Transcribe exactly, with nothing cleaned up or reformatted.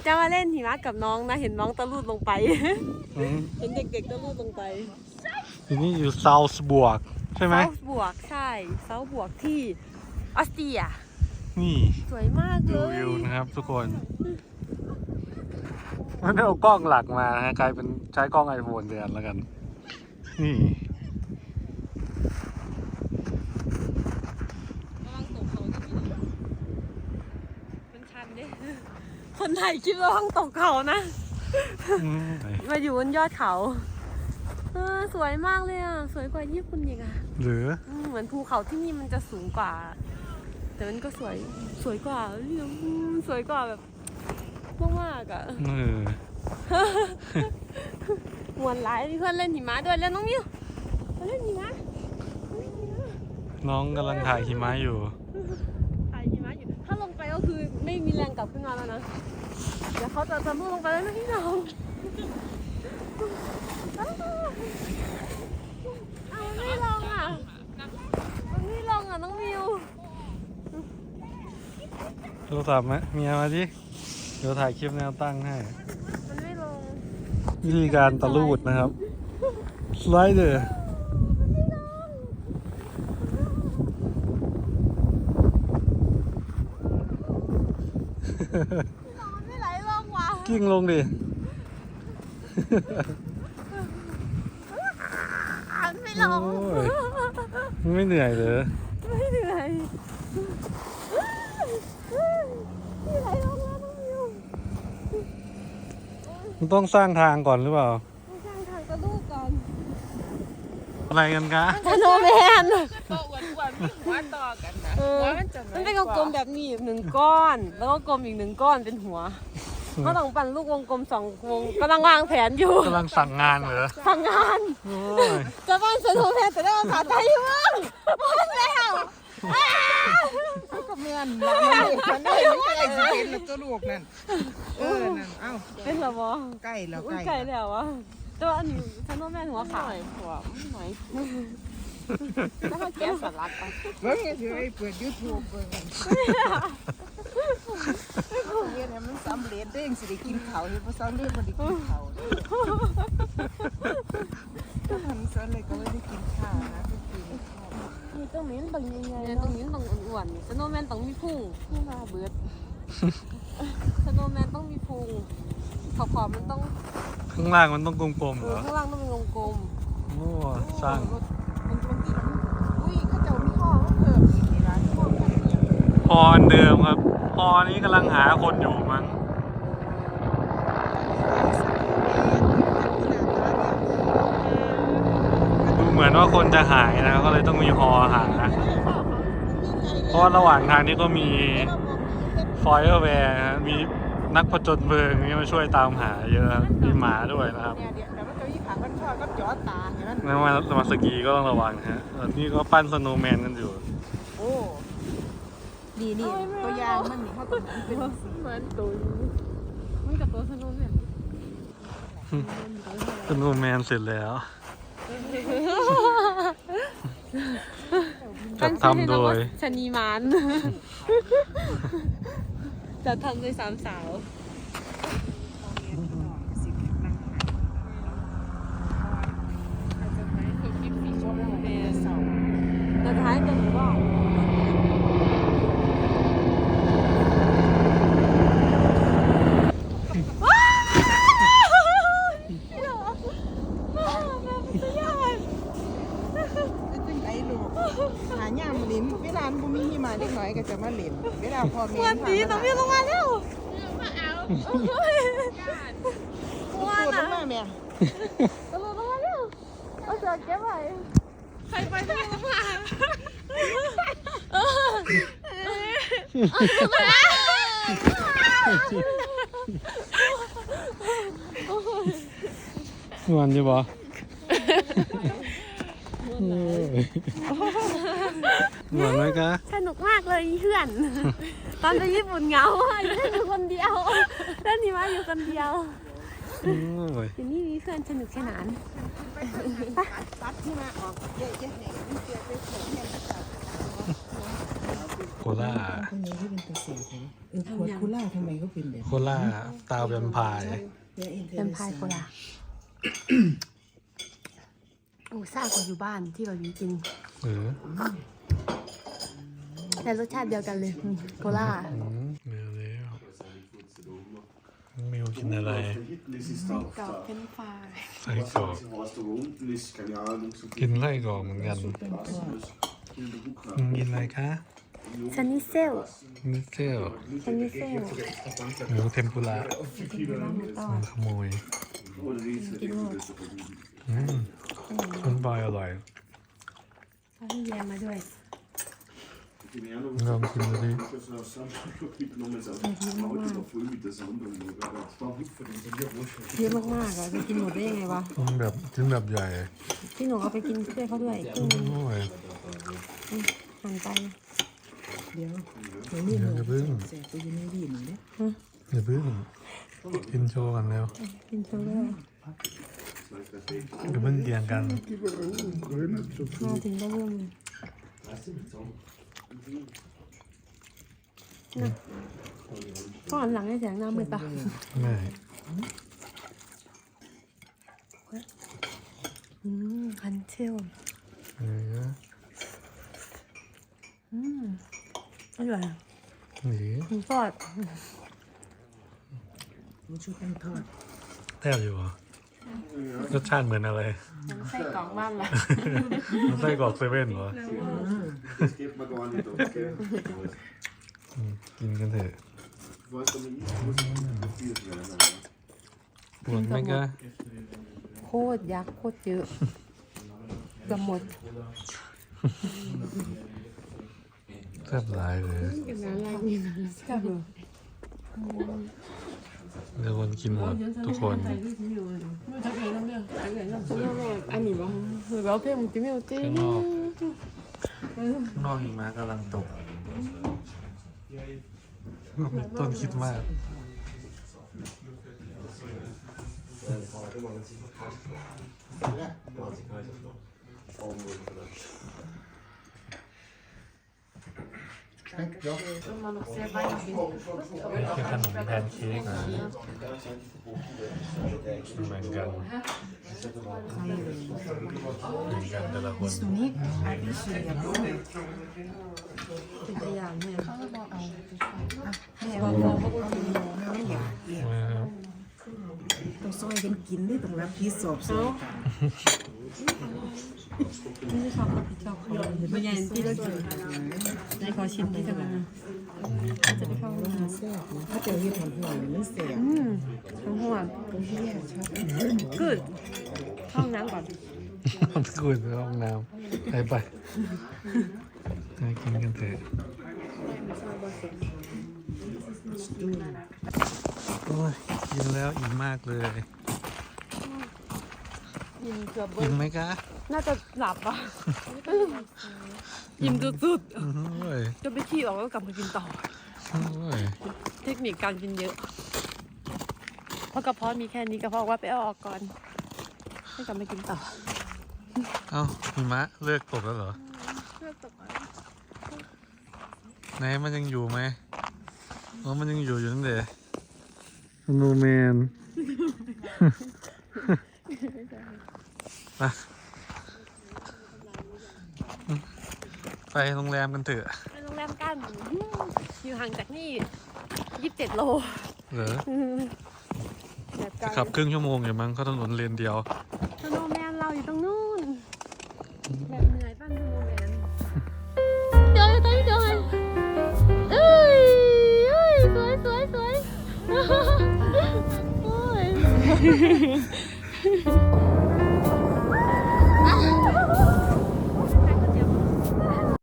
จะมาเล่นหิมะกับน้องนะเห็นน้องตะลุดลงไปเห็นเด็กๆตะลุดลงไปทีนี้อยู่เซาส์บวกใช่ไหมเซาส์บวกใช่เซาส์บวกที่ออสเตรียนี่สวยมากเลยดูวิวนะครับทุกคนไม่ได้เอากล้องหลักมาฮะกลายเป็นใช้กล้องไอโฟนแทนแล้วกันนี่คนไทยคิดว่าห้องตกเขานะมาอยู่บนยอดเขาสวยมากเลยอ่ะสวยกว่าญี่ปุ่นอีกอ่ะหรือเหมือนภูเขาที่นี่มันจะสูงกว่าแต่มันก็สวยสวยกว่าสวยกว่าแบบมากๆอ่ะมวนหลายมีเพื่อนเล่นหิมะด้วยแล้วน้องมิวเล่นหิมะน้องกำลังถ่ายหิมะอยู่ถ่ายหิมะอยู่ถ้าลงไปก็คือไม่มีแรงกลับขึ้นมาแล้วนะเดี๋ยวเขาจะจะมุ่งลงไปแล้วนะพี่น้องเอาไม่ลงอ่ะมันไม่ลงอ่ะน้องมิวโทรศัพท์ไหมเมียมาดิเดี๋ยวถ่ายคลิปแนวตั้งให้มันไม่ลงวิธีการตะลูดนะครับสไลเดอร์ไม่ไหลลงว่ะกิ้งลงดิไม่ลงไม่เหนื่อยเหรอไม่เหนื่อยไม่ไหลลงแล้วน้องมิวมันต้องสร้างทางก่อนหรือเปล่าต้องสร้างทางกระดูกก่อนอะไรกันคะสโนว์แมนก็อ้วนๆมีหัวต่อกันนะหัวมันจะมันเป็นกลมแบบนี้หนึ่งก้อนแล้วก็กลมอีกหนึ่งก้อนเป็นหัวเขาต้องปั่นลูกวงกลมสองวงกำลังวางแผนอยู่กำลังสั่งงานเหรอสั่งงานจะปั้นสโนว์แมนแต่ได้ภาษาไทยมั้งปั้นแล้วก็เมียนมันได้มันได้สิเป็นแล้วตัวลูกนั่นเออนั่นเอ้าเป็นหรอวะใกล้แล้วใกล้แล้ววะแต่ว่าอันนี้สโนว์แมนหัวขาวหัวหน่อยถ้าเขาแก้สลัดอ่ะเบิ่งสิไปเปิด YouTube เบิ่งเรียนให้มันสำเร็จเด้งสิได้กินข้าวเฮ็ดบ่ซ้ำเรื่องบ่ได้กินข้าวถ้าทำซะเลยก็ไม่ได้กินข้าวนะคือกินข้าวนี่ตรงนี้ต้องยังไงตรงนี้ต้องอ้วนๆสโนว์แมนต้องมีพุงพุงมาเบิดสโนว์แมนต้องมีพุงขอบๆมันต้องข้างล่างมันต้องกลมๆเหรอข้างล่างต้องเป็นวงกลมโอ้สร้างอุ้ยเขาเจ้ามีห้อเพิ่มอีกร้านห้อกันเนี่ยฮอเดิมครับฮอนี้กำลังหาคนอยู่มั้งดูเหมือนว่าคนจะหายนะก็เลยต้องมีฮอหาเพราะระหว่างทางนี้ก็มีฟอยล์แวร์มีนักผจญเพลิงนี่มาช่วยตามหาเยอะมีหมาด้วยนะครับนั่นมามาสกีก็ต้องระวังฮะนี่ก็ปั้นสโนว์แมนกันอยู่โอ้ดีนี่ตัวอย่างมันนี่เขาตัวนั้นเป็นเหมือนตัวมันกับตัวสโนว์แมนสโนว์แมนเสร็จแล้วจัดทำโดยชนีมานจัดทำโดยสามสาวแต่ท้ายจะหนูว่าหาย่ามลิ้นเวลาบุมีหิมะเด็กน้อยก็จะมาเล่นเวลาพอเมียนดีต้องมีลงมาแล้วมาเอาว้านะมาแม่ตลงมาแล้วเอาเสือเก็บไว้ใครไปต้องลงมาม่วนอยู่บ่เหมือนไหมคะสนุกมากเลยเพื่อนตอนไปญี่ปุ่นเหงาอยู่คนเดียวเล่นหิมะอยู่คนเดียวทีนี้มีเพื่อนสนุกสนานตัดที่มาออกเยอะๆเนี่ยมันเกิดไปเขียนเนี่ยล่าคนนี้ที่เป็นตัวเสียเลยเออขวดโคล่าทำไมเขาเป็นแบบโคล่าตาแวมไพร์เป็นพายโคลาโอ้ซ่ากว่าอยู่บ้านที่แบบนี้กินเออแต่รสชาติเดียวกันเลยโคลาอืมเมลแล้วมิวกินอะไรกรอบเป็นฟายไส้กรอกกินไส้กรอกเหมือนกันกินอะไรคะซันนี่เซลมิเซลซันนี่เซลหมูเทมปุระมันขโมยกินหมดอืมมันบอยอร่อยเขาให้แยมมาด้วยลองกินดูดิเยอะมากๆอ่ะจะกินหมดได้ยังไงวะมันแบบชิ้นแบบใหญ่พี่หนูเอาไปกินช่วยเขาด้วยครึ่งนึงโอ้ยหั่นไปเดี๋ยวเดี๋ยวนี่เลยเสียตัวยังไม่ดีหนึ่งเนี่ยอย่าเพิ่งกินโชว์กันแล้วกินโชว์ด้วยอย่าเพิ่งเกี่ยงกันมาถึงได้เรื่องเลยนะก็หันหลังให้แสงหน้ามืดปะไม่อืมคันเชลเอออืมอร่อยหนีหมูทอดมันช่วยกันทอดแทบอยู่เหรอรสชาติเหมือนอะไรไส้กรอกบ้านละมันไส้กรอกเซเว่นเหรออืมกินกันเถอะปวดไหมกะโคตรยักษ์โคตรเยอะเกือบหมดแซ่บหลายเลยอย่างนั้นอะไรนี่นะแซ่บเลยเดี๋ยวคนกินหมดทุกคนอันนี้บ้างหรือว่าเพื่อนมันจะไม่เอาจริงข้างนอกข้างนอกหิมะกำลังตกต้นคิดมากนี่คือขนมแพนเค้กนะเหมือนกันเหมือนกันแต่ละคนตัวนี้อาบิเชียบเป็นตัวอย่างเนี่ยแม่บอกว่าเขากินโมไม่อยากเกี่ยวว้าวต้องซอยกันกินได้ต้องรับผิดชอบสิกันไม่ชอบก็ผิดชอบเขาไม่ใหญ่ที่เรากินในขอชิมที่จะมาจะไปเข้าห้องน้ำแซ่บนะถ้าเจอที่ทำหัวมันแซ่บอืมทั้งหัวตรงที่แรกชอบกึดเข้าห้องน้ำก่อนมันคุยในห้องน้ำไปไปไปกินกันเถอะโอ้ยกินแล้วอิ่มมากเลยยิมเกือบเบิ้อิ่ลมไหมคะน่าจะหลับอ่ะยิมสุดโอ้ยๆจนไปขี้ออกแล้วกลับมากินต่อโอ้ยเทคนิคการกินเยอะ เพราะกระเพาะมีแค่นี้กระเพาะว่าไปเอาออกก่อนให้กลับมากินต่อเอ้าหิมะเลิกตกแล้วเหรอเพื่อตกไหนมันยังอยู่ไหมอ๋อมันยังอยู่อยู่ตั้งแต่โนแมนไปไปโรงแรมกันเถอะไปโรงแรมกันอยู่ห่างจากนี่ยี่สิบเจ็ดโลเหรอแบบไกลขับครึ่งชั่วโมงอยู่มั้งเขาถนนเลนเดียวสโนว์แมนเราอยู่ตรงนู้นแบบเหนื่อยปั้นสโนว์แมนเดินเดินเดินเอ้ยเอ้ยสวยสวยสวยโอ้ย